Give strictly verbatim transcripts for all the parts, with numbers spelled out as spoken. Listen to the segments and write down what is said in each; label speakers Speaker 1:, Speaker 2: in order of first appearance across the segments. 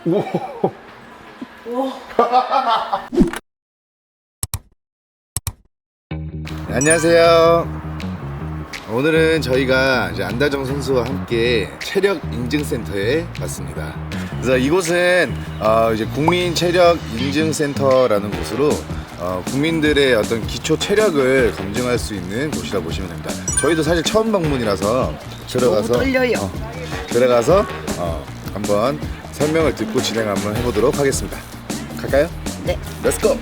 Speaker 1: 우와.
Speaker 2: 우와.
Speaker 1: 네, 안녕하세요. 오늘은 저희가 이제 안다정 선수와 함께 체력 인증센터에 왔습니다. 그래서 이곳은 어 이제 국민 체력 인증센터라는 곳으로 어 국민들의 어떤 기초 체력을 검증할 수 있는 곳이라 보시면 됩니다. 저희도 사실 처음 방문이라서 들어가서
Speaker 2: 너무 떨려요.
Speaker 1: 어, 들어가서 어 한번 설명을 듣고 진행 한번 해보도록 하겠습니다. 갈까요?
Speaker 2: 네.
Speaker 1: Let's go.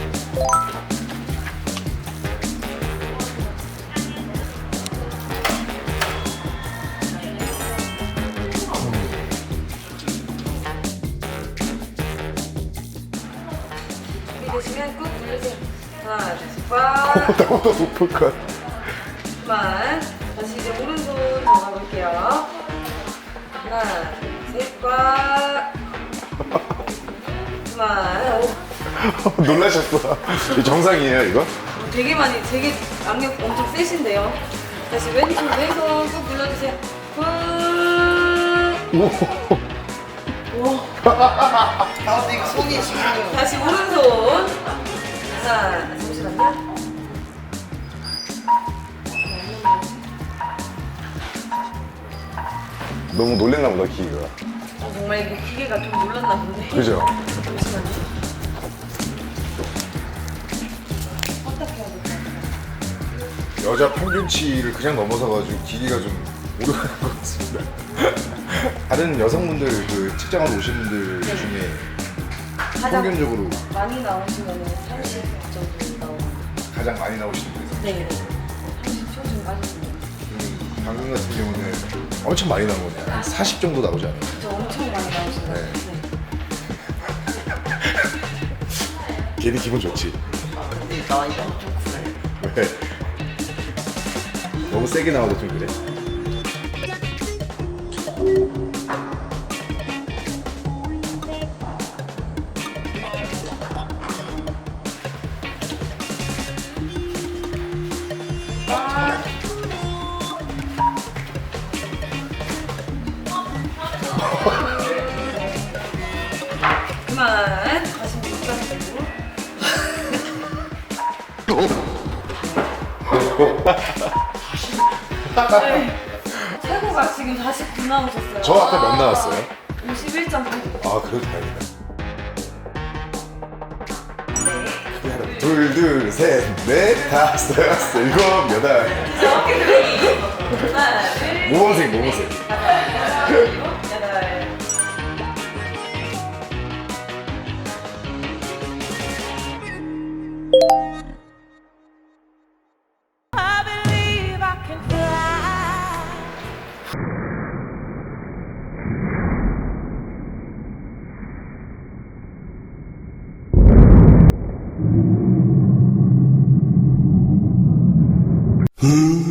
Speaker 3: 준비되시면 꾹 누르세요. 하나, 둘, 셋, 꽉.
Speaker 1: 나보다 높을 것.
Speaker 3: 그만. 다시 이제 오른손 들어가 볼게요. 하나, 둘, 셋, 꽉. 그만. 오,
Speaker 1: 놀라셨어. 이 정상이에요, 이거?
Speaker 3: 되게 많이, 되게 악력 엄청 세신데요. 다시 왼손, 왼손 꾹 눌러주세요. 꾹.
Speaker 1: 우와.
Speaker 3: 우와.
Speaker 2: 아, 근데 이거 손이 지금.
Speaker 3: 다시 오른손. 하나, 잠시만요.
Speaker 1: 너무 놀랬나 보다, 기계가.
Speaker 3: 어, 정말 이게 기계가 좀 놀랐나 본데.
Speaker 1: 그죠?
Speaker 3: 잠시만요. 어떻게 해야 될까요?
Speaker 1: 여자 평균치를 그냥 넘어서가지고 기계가 좀 오르가는 것 같습니다. 다른 여성분들 그 측정하러 오신 분들 중에
Speaker 3: 가장
Speaker 1: 평균적으로
Speaker 3: 많이 나오시면 삼십 정도 나오는.
Speaker 1: 가장 많이 나오시는 분에서
Speaker 3: 네. 삼십 초 빠졌습니다.
Speaker 1: 음, 방금 같은 경우는 엄청 많이 나온 거네요. 한 사십 정도 나오지 않아요?
Speaker 3: 저 엄청 많이 나오시네요.
Speaker 1: 네.
Speaker 3: 네.
Speaker 1: 괜히 기분 좋지.
Speaker 2: 근데 나 이거 좀 그래.
Speaker 1: 왜? 너무 세게 나와도 좀 그래?
Speaker 3: 그만. 다시 못가시고 네. 최고가 지금 사십구 나오셨어요.
Speaker 1: 저 아까 몇 나왔어요?
Speaker 3: 오십일 점 팔.
Speaker 1: 아, 그래도 다행이다.
Speaker 3: 네.
Speaker 1: 하나, 둘, 둘, 셋, 넷, 다섯, 여섯, 일곱, 여덟.
Speaker 3: 어깨 들기. 하나, 둘,
Speaker 1: 모범생, 모범생.
Speaker 3: 다섯, 일곱, 여덟.
Speaker 1: 음.